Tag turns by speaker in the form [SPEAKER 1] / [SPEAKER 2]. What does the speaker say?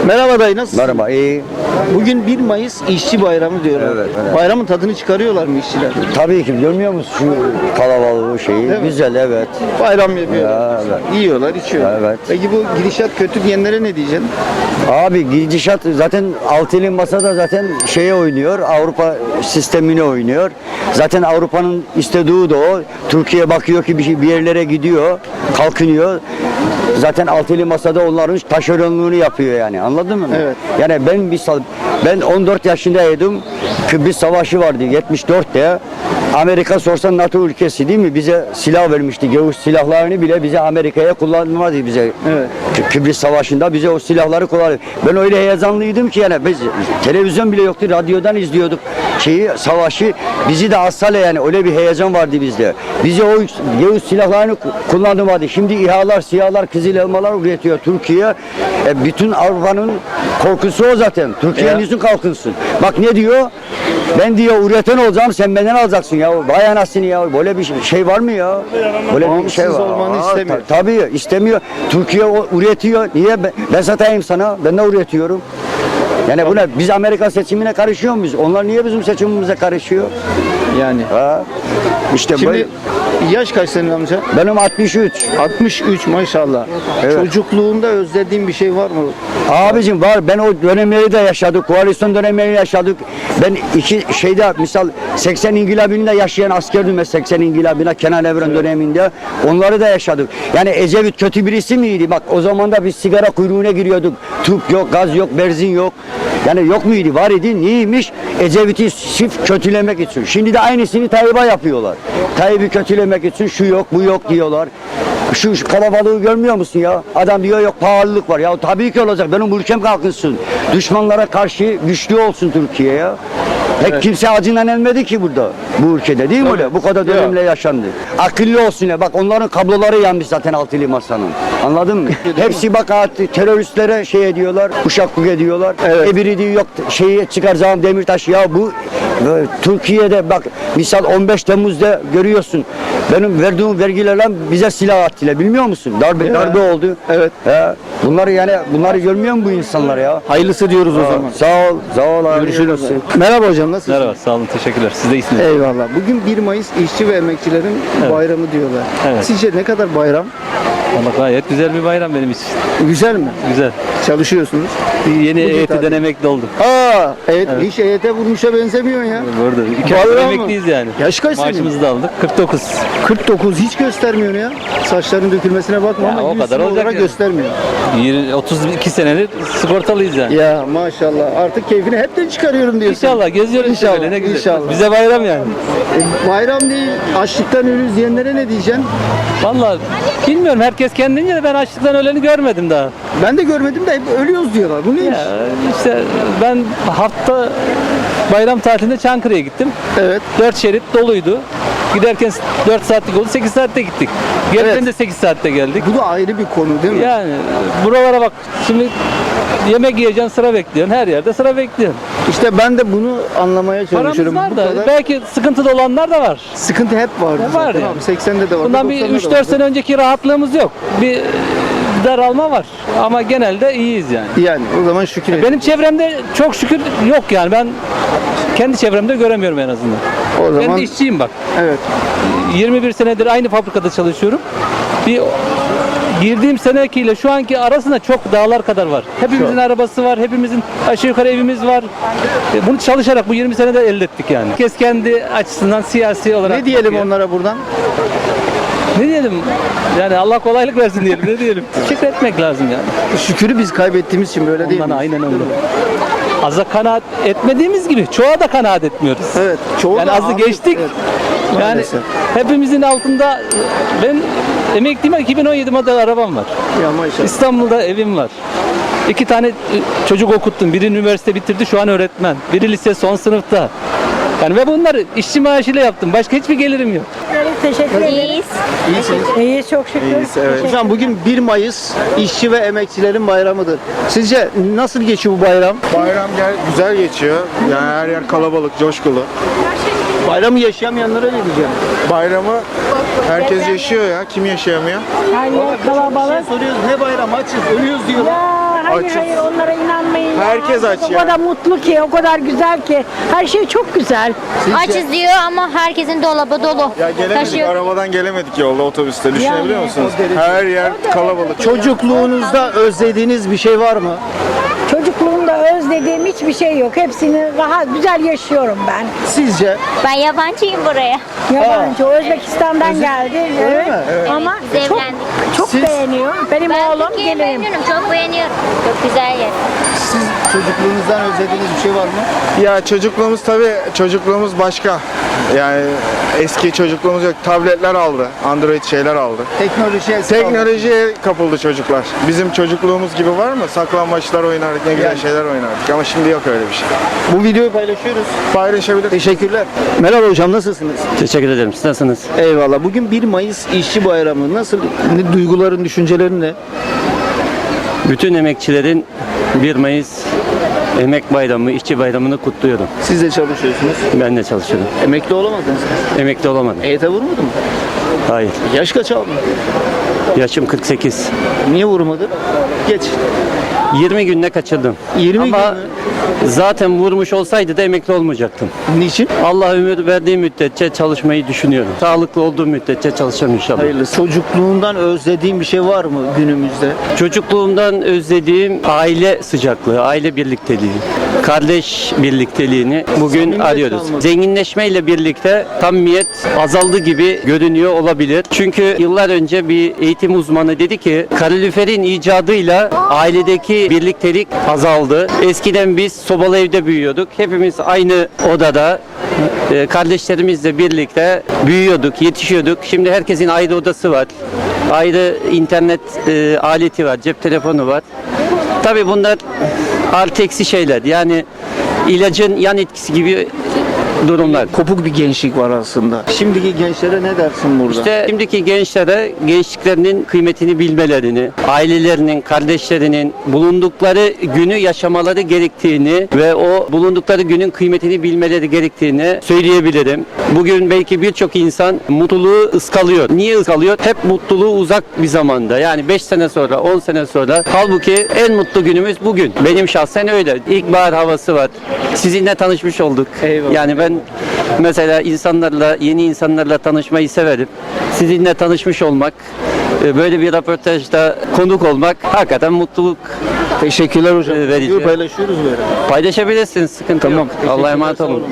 [SPEAKER 1] Merhaba dayı, nasılsın?
[SPEAKER 2] Merhaba, iyi.
[SPEAKER 1] Bugün 1 Mayıs İşçi Bayramı diyorlar.
[SPEAKER 2] Evet, evet.
[SPEAKER 1] Bayramın tadını çıkarıyorlar mı işçiler?
[SPEAKER 2] Tabii ki görmüyor musun şu kalabalığı şeyi?
[SPEAKER 1] Değil mi?
[SPEAKER 2] Güzel, evet.
[SPEAKER 1] Bayram yapıyorlar.
[SPEAKER 2] Ya, evet.
[SPEAKER 1] Yiyorlar, içiyorlar.
[SPEAKER 2] Evet.
[SPEAKER 1] Peki bu gidişat kötü diyenlere ne diyeceksin?
[SPEAKER 2] Abi gidişat zaten altılı masada zaten şeye oynuyor. Avrupa sistemine oynuyor. Zaten Avrupa'nın istediği de o. Türkiye bakıyor ki bir yerlere gidiyor, kalkınıyor. Zaten altılı masada onların taşeronluğunu yapıyor yani. Anladın mı?
[SPEAKER 1] Evet.
[SPEAKER 2] Yani ben 14 yaşındaydım. Kıbrıs Savaşı vardı 74'te. Amerika sorsan NATO ülkesi değil mi? Bize silah vermişti. Gevuz silahlarını bile bize Amerika'ya kullanmadı bize.
[SPEAKER 1] Evet.
[SPEAKER 2] Kıbrıs Savaşı'nda bize o silahları kullandı. Ben öyle heyecanlıydım ki yani biz televizyon bile yoktu. Radyodan izliyorduk savaşı. Bizi de asale yani öyle bir heyecan vardı bizde. Bize o Gevuz silahlarını kullanmadı. Şimdi İHA'lar, SİHA'lar, Kızıl Elmalar üretiyor Türkiye. Bütün Avrupa'nın korkusu o zaten. Türkiye'nin yüzün kalkınsın. Bak ne diyor? Ben diyor üreten olacağım, sen benden alacaksın ya. Vay anasını ya. Böyle bir şey var mı ya? Böyle bir şey var.
[SPEAKER 1] Olmanı istemiyor.
[SPEAKER 2] Tabii istemiyor. Türkiye üretiyor. Niye? Ben satayım sana. Ben de üretiyorum. Yani buna biz Amerika seçimine karışıyor muyuz? Onlar niye bizim seçimimize karışıyor?
[SPEAKER 1] Yani.
[SPEAKER 2] Ha? İşte
[SPEAKER 1] Şimdi yaş kaç senin amca?
[SPEAKER 2] benim 63.
[SPEAKER 1] 63 maşallah.
[SPEAKER 2] Evet.
[SPEAKER 1] Çocukluğunda özlediğin bir şey var mı?
[SPEAKER 2] Abicim var. Ben o dönemleri de yaşadık. Koalisyon dönemlerini yaşadık. Ben misal 80 İngilabı'nda yaşayan askerdim ben 80 İngilabı'na Kenan Evren döneminde. Onları da yaşadık. Yani Ecevit kötü birisi miydi? Bak o zaman da biz sigara kuyruğuna giriyorduk. Tüp yok, gaz yok, benzin yok. Yani yok muydu? Var idi. Neymiş? Ecevit'i sırf kötülemek için. Şimdi de aynısını Tayyip'e yapıyorlar. Tayyip'i kötülemek için şu yok, bu yok diyorlar. Şu kalabalığı görmüyor musun ya? Adam diyor yok pahalılık var. Ya tabii ki olacak. Benim ülkem kalkınsın. Düşmanlara karşı güçlü olsun Türkiye ya. Pek kimse acından ölmedi ki burada. Bu ülkede değil mi öyle? Bu kadar dönemle yaşandı. Akıllı olsun ya. Bak onların kabloları yanmış zaten altılı masanın. Anladın mı? Hepsi bak teröristlere şey ediyorlar. Uşak ediyorlar.
[SPEAKER 1] Evet.
[SPEAKER 2] Biri diyor yok şeyi çıkaracağım Demirtaş. Ya bu Türkiye'de bak misal 15 Temmuz'da görüyorsun. Benim verdiğim vergilerle bize silah attılar. Bilmiyor musun? Darbe oldu.
[SPEAKER 1] Evet.
[SPEAKER 2] Bunları görmüyor mu bu insanlar ya?
[SPEAKER 1] Hayırlısı diyoruz o zaman.
[SPEAKER 2] Sağ ol abi.
[SPEAKER 1] Görüşürüz. Merhaba hocam, nasılsın?
[SPEAKER 3] Merhaba, sağ olun, teşekkürler. Siz de iyisiniz.
[SPEAKER 1] Eyvallah. Bugün 1 Mayıs işçi ve emekçilerin bayramı diyorlar.
[SPEAKER 3] Evet.
[SPEAKER 1] Sizce ne kadar bayram?
[SPEAKER 3] Valla gayet güzel bir bayram benim için.
[SPEAKER 1] Güzel mi?
[SPEAKER 3] Güzel.
[SPEAKER 1] Çalışıyorsunuz.
[SPEAKER 3] Yeni
[SPEAKER 1] Bugün
[SPEAKER 3] EYT'den
[SPEAKER 1] tabii.
[SPEAKER 3] emekli oldum.
[SPEAKER 1] Evet. Hiç EYT vurmuşa benzemiyor ya.
[SPEAKER 3] Burada 2
[SPEAKER 1] Vallahi
[SPEAKER 3] aydır
[SPEAKER 1] mı?
[SPEAKER 3] emekliyiz yani.
[SPEAKER 1] Yaş kaç senin?
[SPEAKER 3] Maaşımızı da aldık. 49.
[SPEAKER 1] 49 hiç göstermiyor ya. Saçların dökülmesine bakma
[SPEAKER 3] Ya,
[SPEAKER 1] ama
[SPEAKER 3] o
[SPEAKER 1] yüz
[SPEAKER 3] kadar olacak
[SPEAKER 1] olarak
[SPEAKER 3] yani.
[SPEAKER 1] göstermiyor.
[SPEAKER 3] 32 senedir sigortalıyız yani.
[SPEAKER 1] Ya maşallah. Artık keyfini hepten çıkarıyorum diyorsun.
[SPEAKER 3] İnşallah geziyoruz
[SPEAKER 1] İnşallah,
[SPEAKER 3] şöyle, ne güzel.
[SPEAKER 1] inşallah.
[SPEAKER 3] Bize bayram yani.
[SPEAKER 1] Bayram değil, açlıktan ölürüz diyenlere ne diyeceksin?
[SPEAKER 3] Valla bilmiyorum, herkes kendince de ben açlıktan öleni görmedim daha.
[SPEAKER 1] Ben de görmedim de hep ölüyoruz diyorlar. Bu neymiş?
[SPEAKER 3] Ya işte ben hafta bayram tatilinde Çankırı'ya gittim.
[SPEAKER 1] Evet.
[SPEAKER 3] 4 şerit doluydu. Giderken 4 saatlik oldu, 8 saatte gittik. Gelirken
[SPEAKER 1] Evet.
[SPEAKER 3] de 8 saatte geldik.
[SPEAKER 1] Bu da ayrı bir konu değil mi?
[SPEAKER 3] Yani buralara bak, şimdi yemek yiyeceksin, sıra bekliyorsun. Her yerde sıra bekliyorsun.
[SPEAKER 1] İşte ben de bunu anlamaya
[SPEAKER 3] Paramız
[SPEAKER 1] çalışıyorum.
[SPEAKER 3] var
[SPEAKER 1] Bu
[SPEAKER 3] da
[SPEAKER 1] kadar
[SPEAKER 3] belki sıkıntıda olanlar da var.
[SPEAKER 1] sıkıntı hep vardı
[SPEAKER 3] Var
[SPEAKER 1] zaten
[SPEAKER 3] yani.
[SPEAKER 1] abi. 80'de de vardı.
[SPEAKER 3] Bundan bir
[SPEAKER 1] 90'da da
[SPEAKER 3] 3-4
[SPEAKER 1] vardı.
[SPEAKER 3] sene önceki rahatlığımız yok. Bir daralma var ama genelde iyiyiz yani.
[SPEAKER 1] Yani o zaman şükür edin.
[SPEAKER 3] Benim çevremde çok şükür yok yani, ben kendi çevremde göremiyorum en azından.
[SPEAKER 1] O
[SPEAKER 3] Ben
[SPEAKER 1] zaman
[SPEAKER 3] de işçiyim bak.
[SPEAKER 1] evet.
[SPEAKER 3] 21 senedir aynı fabrikada çalışıyorum. Bir girdiğim senekiyle şu anki arasında çok dağlar kadar var. Hepimizin arabası var, hepimizin aşağı yukarı evimiz var. Bunu çalışarak bu 20 senede elde ettik yani. Herkes kendi açısından siyasi olarak
[SPEAKER 1] Ne diyelim
[SPEAKER 3] bakıyor.
[SPEAKER 1] onlara buradan?
[SPEAKER 3] Ne diyelim? Yani Allah kolaylık versin diyelim. Ne diyelim? Teşekkür etmek lazım yani.
[SPEAKER 1] Şükürü biz kaybettiğimiz için böyle değil
[SPEAKER 3] Ondan
[SPEAKER 1] mi?
[SPEAKER 3] aynen öyle. Az'a kanaat etmediğimiz gibi çoğa da kanaat etmiyoruz.
[SPEAKER 1] Evet. Çoğu
[SPEAKER 3] Yani
[SPEAKER 1] da
[SPEAKER 3] azı
[SPEAKER 1] abi-
[SPEAKER 3] geçtik.
[SPEAKER 1] Evet.
[SPEAKER 3] Yani
[SPEAKER 1] Maalesef.
[SPEAKER 3] hepimizin altında, ben emekliyim, 2017 model arabam var.
[SPEAKER 1] Ya maşallah.
[SPEAKER 3] İstanbul'da evim var. 2 tane çocuk okuttum. Biri üniversite bitirdi, şu an öğretmen. Biri lise son sınıfta. Yani ve bunları işçi maaşıyla yaptım. Başka hiçbir gelirim yok.
[SPEAKER 4] Teşekkür ederiz.
[SPEAKER 1] İyisiniz.
[SPEAKER 4] İyiyiz çok şükür.
[SPEAKER 1] Evet. Hocam bugün 1 Mayıs işçi ve emekçilerin bayramıdır. Sizce nasıl geçiyor bu bayram?
[SPEAKER 5] Bayram güzel geçiyor. Yani her yer kalabalık, coşkulu.
[SPEAKER 1] Bayramı yaşayamayanlara ne diyeceğim?
[SPEAKER 5] Bayramı herkes yaşıyor ya. Kim yaşayamıyor?
[SPEAKER 4] Her yer kalabalık.
[SPEAKER 1] Soruyoruz ne bayram açız ölüyoruz diyorlar.
[SPEAKER 4] Ya Hayır
[SPEAKER 5] Açız.
[SPEAKER 4] hayır onlara inanmayın. ya.
[SPEAKER 5] Herkes aç
[SPEAKER 4] O
[SPEAKER 5] ya.
[SPEAKER 4] kadar mutlu ki, o kadar güzel ki. Her şey çok güzel.
[SPEAKER 6] Açız diyor ama herkesin dolabı dolu.
[SPEAKER 5] Ya gelemedik,
[SPEAKER 6] Taşıyor.
[SPEAKER 5] arabadan gelemedik yolda, otobüste. Düşünebiliyor
[SPEAKER 4] Yani,
[SPEAKER 5] musunuz?
[SPEAKER 1] o derece.
[SPEAKER 5] Her yer kalabalık.
[SPEAKER 1] Çocukluğunuzda özlediğiniz bir şey var mı?
[SPEAKER 4] Çocukluğumda özlediğim hiçbir şey yok. Hepsini rahat, güzel yaşıyorum ben.
[SPEAKER 1] Sizce?
[SPEAKER 6] Ben yabancıyım buraya.
[SPEAKER 4] Yabancı, o Özbekistan'dan geldi. Evet.
[SPEAKER 1] mi? Evet.
[SPEAKER 4] Ama
[SPEAKER 6] Biz
[SPEAKER 4] çok,
[SPEAKER 6] evlendik.
[SPEAKER 4] çok
[SPEAKER 1] Siz-
[SPEAKER 4] beğeniyor. Benim
[SPEAKER 6] Ben
[SPEAKER 4] oğlum
[SPEAKER 6] Türkiye'yi
[SPEAKER 4] gelirim.
[SPEAKER 6] memnunum. Çok beğeniyorum. Çok güzel yer.
[SPEAKER 1] Siz çocukluğunuzdan özlediğiniz bir şey var mı?
[SPEAKER 5] Ya çocukluğumuz tabii, çocukluğumuz başka. Yani eski çocukluğumuz yok. Tabletler aldı, Android şeyler aldı.
[SPEAKER 1] Teknolojiye
[SPEAKER 5] Teknolojiye kapıldı çocuklar. Bizim çocukluğumuz gibi var mı? Saklambaçlar oynardık, ne güzel
[SPEAKER 1] Yani.
[SPEAKER 5] şeyler oynardık. Ama şimdi yok öyle bir şey.
[SPEAKER 1] Bu videoyu paylaşıyoruz.
[SPEAKER 5] Paylaşabilir.
[SPEAKER 1] Teşekkürler. Merhaba hocam, nasılsınız?
[SPEAKER 7] Teşekkür ederim. Siz nasılsınız?
[SPEAKER 1] Eyvallah. Bugün 1 Mayıs İşçi Bayramı. Nasıl? Ne duyguların, düşüncelerin ne?
[SPEAKER 7] Bütün emekçilerin 1 Mayıs Emek Bayramı, İşçi Bayramı'nı kutluyorum.
[SPEAKER 1] Siz de çalışıyorsunuz.
[SPEAKER 7] Ben de çalışıyorum.
[SPEAKER 1] Emekli olamadınız mı?
[SPEAKER 7] Emekli olamadım.
[SPEAKER 1] EYT vurmadı mı?
[SPEAKER 7] Hayır.
[SPEAKER 1] Yaş kaç aldın?
[SPEAKER 7] Yaşım 48.
[SPEAKER 1] Niye vurmadı? Geç.
[SPEAKER 7] 20 günde kaçırdım.
[SPEAKER 1] 20
[SPEAKER 7] Ama
[SPEAKER 1] gün mü?
[SPEAKER 7] zaten vurmuş olsaydı da emekli olmayacaktım.
[SPEAKER 1] Niçin?
[SPEAKER 7] Allah ömür verdiği müddetçe çalışmayı düşünüyorum. Sağlıklı olduğum müddetçe çalışacağım inşallah.
[SPEAKER 1] Hayırlısı. Çocukluğundan özlediğin bir şey var mı günümüzde?
[SPEAKER 7] Çocukluğumdan özlediğim aile sıcaklığı, aile birlikteliği, kardeş birlikteliğini bugün
[SPEAKER 1] Samimiyet
[SPEAKER 7] arıyoruz.
[SPEAKER 1] kalmadı.
[SPEAKER 7] Zenginleşmeyle birlikte samimiyet azaldı gibi görünüyor olabilir. Çünkü yıllar önce bir eğitim uzmanı dedi ki kaloriferin icadıyla ailedeki birliktelik azaldı. Eskiden biz sobalı evde büyüyorduk. Hepimiz aynı odada kardeşlerimizle birlikte büyüyorduk, yetişiyorduk. Şimdi herkesin ayrı odası var. Ayrı internet aleti var, cep telefonu var. Tabii bunlar artı eksi şeyler. Yani ilacın yan etkisi gibi durumlar.
[SPEAKER 1] Kopuk bir gençlik var aslında. Şimdiki gençlere ne dersin burada?
[SPEAKER 7] İşte şimdiki gençlere gençliklerinin kıymetini bilmelerini, ailelerinin, kardeşlerinin bulundukları günü yaşamaları gerektiğini ve o bulundukları günün kıymetini bilmeleri gerektiğini söyleyebilirim. Bugün belki birçok insan mutluluğu ıskalıyor. Niye ıskalıyor? Hep mutluluğu uzak bir zamanda. Yani 5 sene sonra, 10 sene sonra. Halbuki en mutlu günümüz bugün. Benim şahsen öyle. İlkbahar havası var. Sizinle tanışmış olduk.
[SPEAKER 1] Eyvallah.
[SPEAKER 7] Yani ben mesela insanlarla, yeni insanlarla tanışmayı severim. Sizinle tanışmış olmak, böyle bir röportajda konuk olmak hakikaten mutluluk
[SPEAKER 1] Teşekkürler hocam.
[SPEAKER 7] verici.
[SPEAKER 1] Videoyu paylaşıyoruz böyle.
[SPEAKER 7] Paylaşabilirsiniz, sıkıntı yok. Allah'a emanet olun.